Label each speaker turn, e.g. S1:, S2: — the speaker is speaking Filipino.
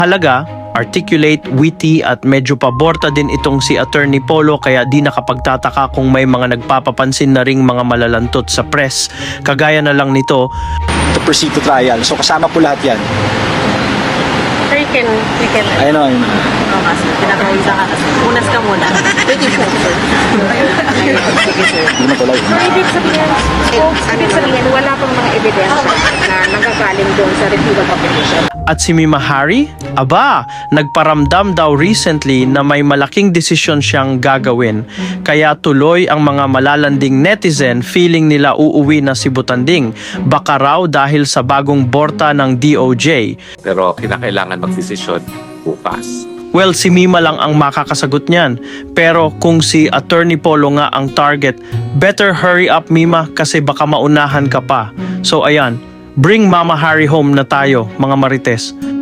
S1: Halaga, articulate, witty at medyo paborta din itong si Attorney Polo kaya di nakapagtataka kung may mga nagpapapansin na ring mga malalantot sa press. Kagaya na lang nito,
S2: To proceed to trial. So kasama po lahat yan.
S3: Sir, you can.
S2: Ayun o.
S3: Oo nga, sir. Pinakawisa ka kasi. Unas ka muna. Pwede po, sir.
S2: Hindi na tuloy.
S4: So, ibig sabihin, wala pang mga ebidensya na nanggagaling doon sa refusal of petition.
S1: at si Mima Hari, aba, nagparamdam daw recently na may malaking desisyon siyang gagawin. Kaya tuloy ang mga malalanding netizen feeling nila uuwi na si Butanding. Baka raw dahil sa bagong borta ng DOJ.
S5: Pero kinakailangan magdesisyon bukas.
S1: Well, si Mima lang ang makakasagot niyan. Pero kung si Attorney Polo nga ang target, better hurry up Mima kasi baka maunahan ka pa. So ayan, bring Mama Hari home na tayo mga Marites.